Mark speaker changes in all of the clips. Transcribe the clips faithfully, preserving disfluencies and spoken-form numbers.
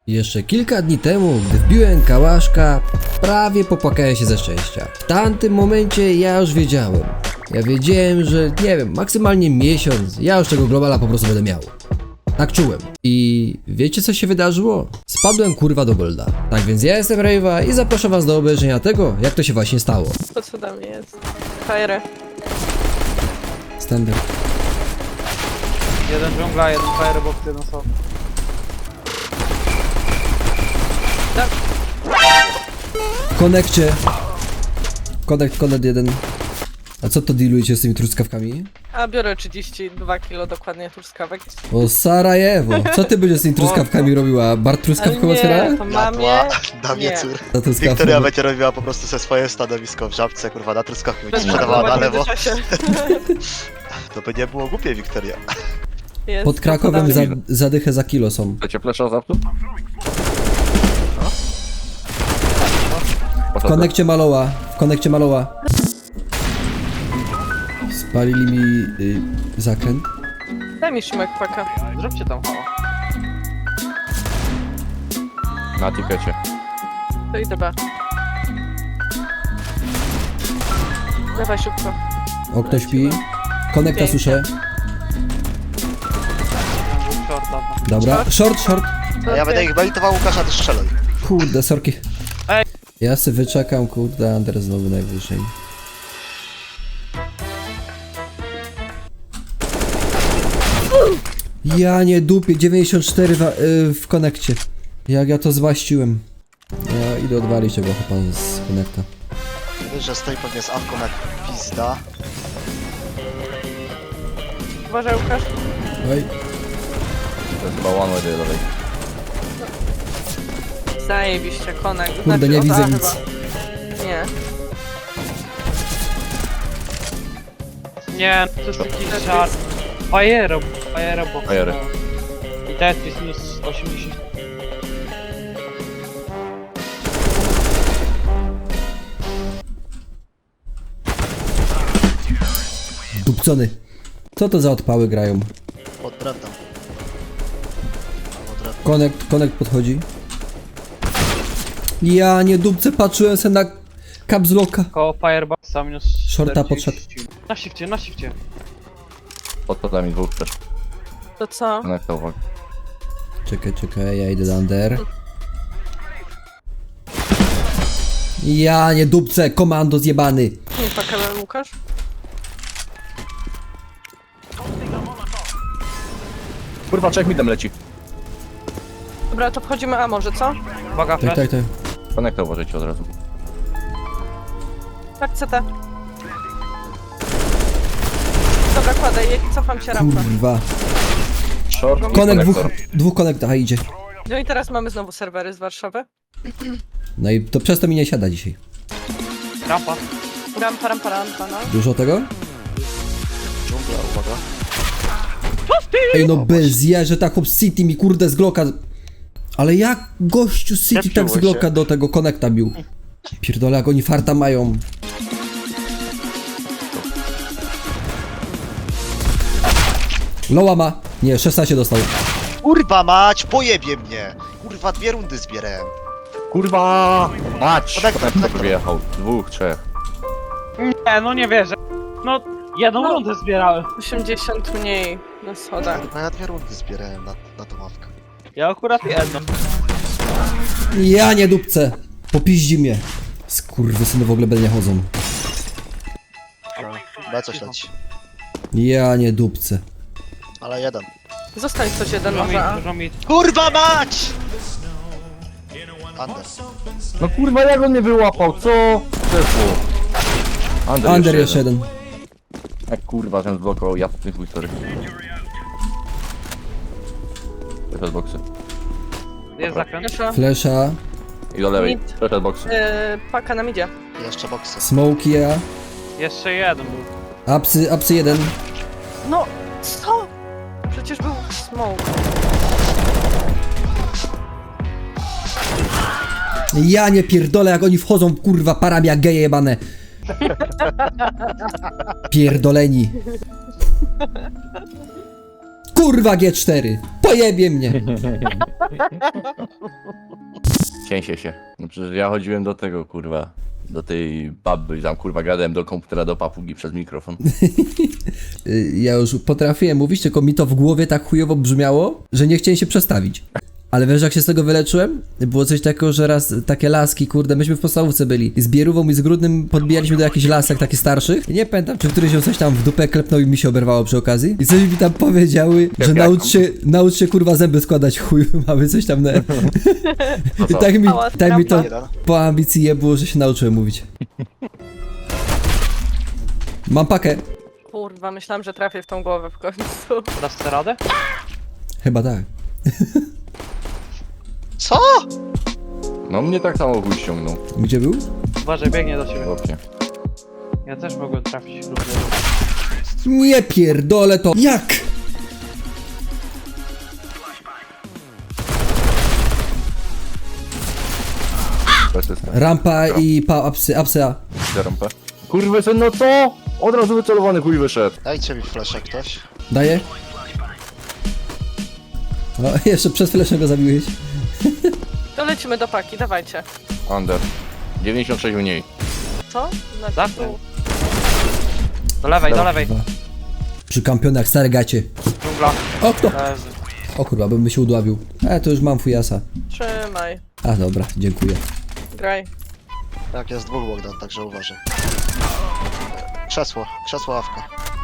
Speaker 1: Jeszcze kilka dni temu, gdy wbiłem kałaszka, prawie popłakałem się ze szczęścia. W tamtym momencie ja już wiedziałem. Ja wiedziałem, że nie wiem, maksymalnie miesiąc, ja już tego globala po prostu będę miał. Tak czułem. I wiecie co się wydarzyło? Spadłem kurwa do golda. Tak więc ja jestem Rave'a i zapraszam was do obejrzenia tego, jak to się właśnie stało.
Speaker 2: To co dla mnie jest? Fire.
Speaker 1: Standard.
Speaker 3: Jeden dżungla, jeden firebox, jeden soft.
Speaker 1: W konekcie. Konekt, konekt jeden. A co to dealujecie z tymi truskawkami?
Speaker 2: A biorę trzydzieści dwa kilo dokładnie truskawek.
Speaker 1: O Sarajewo! Co ty będziesz z tymi truskawkami robiła? Bar truskawką otwiera?
Speaker 2: nie, to mamie...
Speaker 4: Na
Speaker 2: Nie.
Speaker 4: wieczór.
Speaker 1: Za truskawką.
Speaker 4: Wiktoria będzie robiła po prostu ze swoje stanowisko w Żabce, kurwa, na truskawki będzie
Speaker 2: Bez
Speaker 4: sprzedawała na
Speaker 2: marnowania
Speaker 4: lewo.
Speaker 2: czasie.
Speaker 4: To by nie było głupie, Wiktoria.
Speaker 2: Jest,
Speaker 1: Pod Krakowem
Speaker 2: to
Speaker 1: za,
Speaker 2: podamy.
Speaker 1: zadychę za kilo są.
Speaker 5: Chcecie flesza za tu?
Speaker 1: W konekcie Maloła. W konekcie Maloła. Spalili mi y, zakręt.
Speaker 2: Daj mi Szymek paka.
Speaker 3: Zróbcie tam hała.
Speaker 5: Na tikecie.
Speaker 2: To idę B. Dawaj szybko.
Speaker 1: Okno śpi. Konekta
Speaker 2: Pięknie.
Speaker 1: słyszę.
Speaker 3: Dwóch shorta.
Speaker 1: Dobra. Short, short.
Speaker 4: A ja będę ich belitował, Łukasza, ty strzelaj.
Speaker 1: Kurde, sorki.
Speaker 3: Ej.
Speaker 1: Ja sobie wyczekam, kurde, Under znowu najwyżej. Ja nie dupię, dziewięćdziesiąt cztery w, y, w konekcie. Jak ja to złaściłem. Ja idę odwalić tego chłopa z konekta.
Speaker 4: Wiesz, że stoi pewnie z awką jak pizda.
Speaker 2: Uważaj Łukasz.
Speaker 1: Oj,
Speaker 5: To jest chyba one way do lewej.
Speaker 2: Zajebiście, konek.
Speaker 1: kurde, nie
Speaker 2: o,
Speaker 1: widzę
Speaker 2: a,
Speaker 1: nic.
Speaker 2: chyba. Nie.
Speaker 3: Nie, to jest taki żart. Fire, firebox.
Speaker 5: Fire.
Speaker 3: no. I Tetris minus osiemdziesiąt.
Speaker 1: Dupcony. Co to za odpały grają?
Speaker 4: Pod drewnem. Albo drewnem.
Speaker 1: Konekt, konekt podchodzi. Ja nie dupce, patrzyłem se na caps locka.
Speaker 3: Koło fireboxa minus
Speaker 1: Shorta
Speaker 3: czterdzieści.
Speaker 1: podszedł.
Speaker 3: Na shifcie, na shifcie.
Speaker 5: Pod podami dwóch też.
Speaker 2: To co?
Speaker 5: Konekta, uwaga.
Speaker 1: Czekaj, czekaj, ja idę do under. Ja nie dupce, komando zjebany.
Speaker 2: Nie pakałem Łukasz?
Speaker 5: Kurwa, czek mi tam leci.
Speaker 2: Dobra, to wchodzimy A może, co?
Speaker 3: Uwaga,
Speaker 1: Tak,
Speaker 3: flash.
Speaker 1: tak, tak.
Speaker 5: Konekta uważajcie od razu.
Speaker 2: Tak, C T. Dobra, kładę, je- cofam się rampę.
Speaker 1: Kurwa.
Speaker 5: Short i
Speaker 1: Konek dwóch,
Speaker 5: konektor.
Speaker 1: dwóch konektach, a idzie.
Speaker 2: No i teraz mamy znowu serwery z Warszawy.
Speaker 1: No i to przez to mi nie siada dzisiaj.
Speaker 3: Rampa.
Speaker 2: Rampa, rampa, rampa, no.
Speaker 1: Dużo tego?
Speaker 4: Dżungla, uwaga.
Speaker 1: Ej no bez ja, że tak chłop z City mi kurde z Glocka. Ale jak gościu z City tak z
Speaker 4: Zepsuło
Speaker 1: Glocka
Speaker 4: się.
Speaker 1: do tego konekta bił? Pierdolę, jak oni farta mają. Loła ma. Nie, szesnaście dostał.
Speaker 4: Kurwa mać, pojebie mnie! Kurwa, dwie rundy zbierałem.
Speaker 5: Kurwa! Mać!
Speaker 4: Konektor,
Speaker 5: Konektor
Speaker 4: konektor.
Speaker 5: wyjechał. Dwóch, trzech.
Speaker 3: Nie, no nie wierzę. No, jedną
Speaker 2: No.
Speaker 3: rundę zbierałem.
Speaker 2: osiemdziesiąt mniej na schodach.
Speaker 4: Kurwa, ja dwie rundy zbierałem na, na tą ławkę.
Speaker 3: Ja akurat jedną.
Speaker 1: Ja nie dupce. Popiździ mnie. Skurwysyny w ogóle bez nie chodzą.
Speaker 4: B coś leci.
Speaker 1: Ja nie dupce.
Speaker 4: Ale jeden.
Speaker 2: Zostań coś jeden
Speaker 3: Dużo mi,
Speaker 2: może A.
Speaker 3: dużo mi.
Speaker 4: Kurwa mać! Under.
Speaker 5: No kurwa, jak on mnie wyłapał, co? Przeszło. Under,
Speaker 1: Under jeszcze jeden.
Speaker 5: Jak kurwa, ten zblokował, ja po tym chuj, sorry. Przeszedł boksy.
Speaker 3: Jest zakręt.
Speaker 2: Proszę.
Speaker 1: Flesza.
Speaker 5: I do lewej.
Speaker 2: Mid.
Speaker 5: Przeszedł boksy.
Speaker 2: Yy, paka nam idzie.
Speaker 4: Jeszcze boksy.
Speaker 1: Smoke ja.
Speaker 3: Jeszcze jeden był.
Speaker 1: Apsy, apsy jeden.
Speaker 2: No, co? Przecież był smoke.
Speaker 1: Ja nie pierdolę, jak oni wchodzą, kurwa, parami jak geje jebane. Pierdoleni. Kurwa G cztery. Pojebie mnie!
Speaker 6: Cięsie się. No przecież ja chodziłem do tego, kurwa, do tej baby, tam kurwa gadałem do komputera, do papugi przez mikrofon.
Speaker 1: Y, Ja już potrafiłem mówić, tylko mi to w głowie tak chujowo brzmiało, że nie chciałem się przestawić. Ale wiesz, jak się z tego wyleczyłem? Było coś takiego, że raz takie laski, kurde, myśmy w podstawówce byli. I z Bierówą i z Grudnym podbijaliśmy do jakichś lasek takich starszych. I nie pamiętam, czy któryś ją coś tam w dupę klepnął i mi się oberwało przy okazji. I coś mi tam powiedziały, że
Speaker 6: Jak
Speaker 1: naucz się, naucz się kurwa zęby składać, chuju, mamy coś tam na... I
Speaker 6: co?
Speaker 1: tak mi,
Speaker 2: Mała
Speaker 1: tak mi to
Speaker 4: Jeden.
Speaker 1: po ambicji je było, że się nauczyłem mówić. Mam pakę.
Speaker 2: Kurwa, myślałam, że trafię w tą głowę w końcu.
Speaker 3: Dasz sobie radę?
Speaker 1: Chyba tak.
Speaker 4: Co?
Speaker 6: No mnie tak samo chuj ściągnął.
Speaker 1: Gdzie był?
Speaker 3: Uważaj, biegnie do ciebie.
Speaker 6: Chłopie.
Speaker 3: Ja też mogłem trafić równie.
Speaker 1: Nie pierdolę to. Jak?
Speaker 6: Bez systemu.
Speaker 1: Rampa i pa, apsy, apsy A.
Speaker 6: Rampę. Kurwy syn, no co? Od razu wycelowany chuj wyszedł.
Speaker 4: Dajcie mi fleszę ktoś.
Speaker 1: Daję? O, jeszcze przez chwilę go zabiłeś.
Speaker 2: To lecimy do paki, dawajcie.
Speaker 6: Under. dziewięćdziesiąt sześć mniej.
Speaker 2: Co? Na
Speaker 3: Zawsze.
Speaker 2: tu.
Speaker 3: Do lewej, do lewej.
Speaker 1: Przy kampionach stare gacie.
Speaker 3: Dżungla.
Speaker 1: O, kto?
Speaker 3: Leży.
Speaker 1: O kurwa, bym się udławił. E, to już mam fujasa.
Speaker 2: Trzymaj.
Speaker 1: A, dobra, dziękuję.
Speaker 2: Graj.
Speaker 4: Tak, jest dwóch Bogdan, także uważaj. Krzesło, krzesło ławka.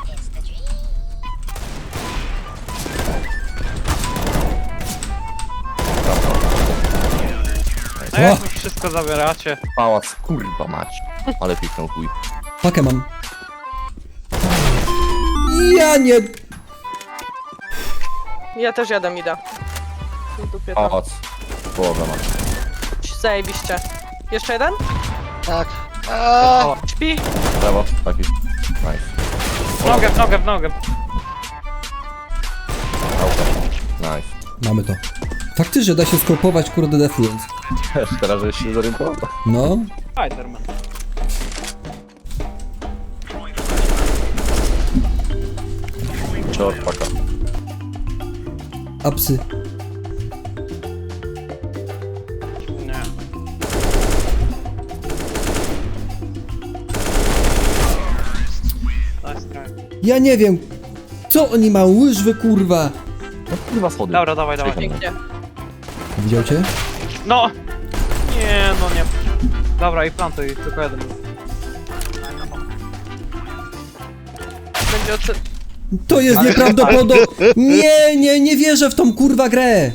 Speaker 3: No jak mi wszystko zabieracie?
Speaker 6: Pałac, kurwa mać. Ale piknął chuj.
Speaker 1: Pakę mam. Ja nie...
Speaker 2: Ja też jadę mida. W dupie tam.
Speaker 6: Pałac. Połowę ma.
Speaker 2: Zajebiście. Jeszcze jeden?
Speaker 4: Tak. Aaaa!
Speaker 2: Śpi.
Speaker 6: Brawo, taki. Nice.
Speaker 3: W nogę, w nogę, w nogę.
Speaker 6: Auto. Nice.
Speaker 1: Mamy to. Faktycznie da się skopować, kurde, Defluence.
Speaker 6: Też teraz żeś się zorientował.
Speaker 1: No.
Speaker 3: Spiderman.
Speaker 6: Short paka.
Speaker 1: Apsy.
Speaker 3: Nie. Nice try.
Speaker 1: Ja nie wiem. Co oni mają? Łyżwy, kurwa.
Speaker 6: No kurwa schody.
Speaker 3: Dobra, dawaj, dawaj.
Speaker 2: Pięknie.
Speaker 1: Widział cię?
Speaker 3: No! Nie, no nie. Dobra, i plantuj, tylko jeden.
Speaker 2: Będzie oczy...
Speaker 1: To jest nieprawdopodobne. Nie, nie, nie wierzę w tą kurwa grę.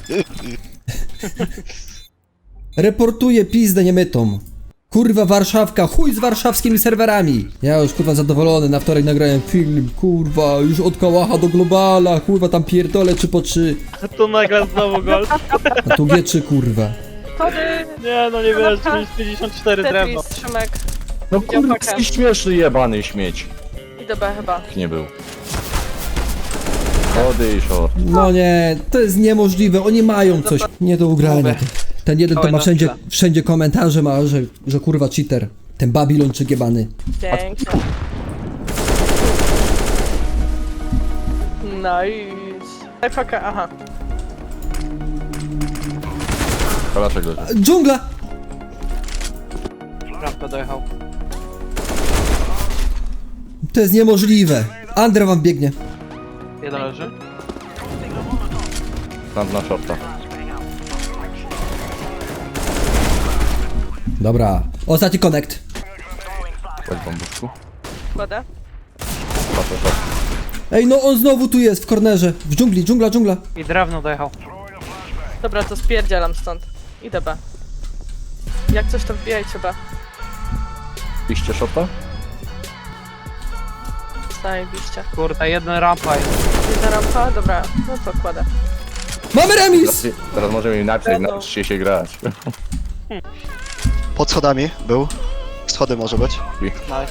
Speaker 1: Reportuję pizdę niemytą. Kurwa Warszawka, chuj z warszawskimi serwerami. Ja już kurwa zadowolony, na wtorek nagrałem film, kurwa, już od kałacha do globala, kurwa tam pierdolę trzy po trzy.
Speaker 3: To nagle znowu gol.
Speaker 1: A tu G trzy kurwa.
Speaker 2: Tody!
Speaker 3: Nie, no nie wiesz, pięćdziesiąt cztery drewno.
Speaker 2: Tetris, Szymek.
Speaker 6: No
Speaker 2: Widział
Speaker 6: kurwa,
Speaker 2: pakę.
Speaker 6: jaki śmieszny jebany śmieć.
Speaker 2: Idę B chyba.
Speaker 6: Nie był. Schody i short.
Speaker 1: No nie, to jest niemożliwe, oni mają coś nie do ugrania. Ten jeden to
Speaker 3: Oj,
Speaker 1: ma
Speaker 3: no
Speaker 1: wszędzie,
Speaker 3: chwilę.
Speaker 1: wszędzie komentarze ma, że, że kurwa cheater. Ten Babilończyk jebany.
Speaker 2: Pięknie. Nice. Daj pakę, aha.
Speaker 6: Kolaczek leży.
Speaker 1: Dżungla!
Speaker 3: Rampę dojechał.
Speaker 1: To jest niemożliwe. Andre wam biegnie.
Speaker 3: Jeden leży.
Speaker 6: Tam na shorta.
Speaker 1: Dobra. Ostatni connect.
Speaker 6: Chodź bambuszku.
Speaker 2: Kładę.
Speaker 6: Patrzę, short.
Speaker 1: Ej, no on znowu tu jest, w kornerze. W dżungli, dżungla, dżungla.
Speaker 3: I drewno dojechał.
Speaker 2: Dobra, to spierdzielam stąd. Idę B. Jak coś to wbijajcie B.
Speaker 6: Piście shorta?
Speaker 2: Zajebiście.
Speaker 3: Kurde, jeden rampa jest.
Speaker 2: Jedna rampa? Dobra, no to kładę.
Speaker 1: Mamy remis!
Speaker 6: Teraz, teraz możemy im napisać,
Speaker 2: Pewno.
Speaker 6: nauczcie się grać.
Speaker 4: Pod schodami był. Schody może być.
Speaker 3: Nice.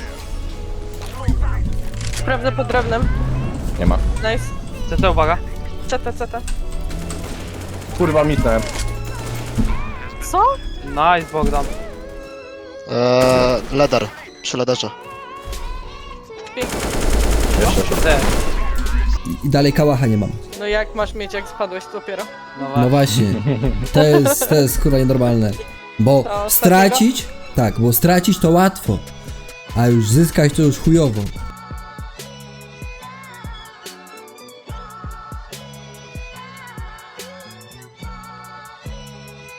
Speaker 2: Sprawdzę pod drewnem.
Speaker 6: Nie ma.
Speaker 2: Nice.
Speaker 3: C T, uwaga.
Speaker 2: Ceta, ceta.
Speaker 6: Kurwa, mitnąłem.
Speaker 2: Co?
Speaker 3: Nice, Bogdan.
Speaker 4: Eee, leder. Przy lederze.
Speaker 2: Pięknie.
Speaker 6: Jeszcze short.
Speaker 3: D.
Speaker 1: I dalej kałacha nie mam.
Speaker 2: No jak masz mieć, jak spadłeś dopiero?
Speaker 3: No
Speaker 1: No
Speaker 3: właśnie.
Speaker 1: właśnie. To jest, to jest kurwa nienormalne. Bo
Speaker 2: To
Speaker 1: stracić, tak, bo stracić to łatwo, a już zyskać to już chujowo.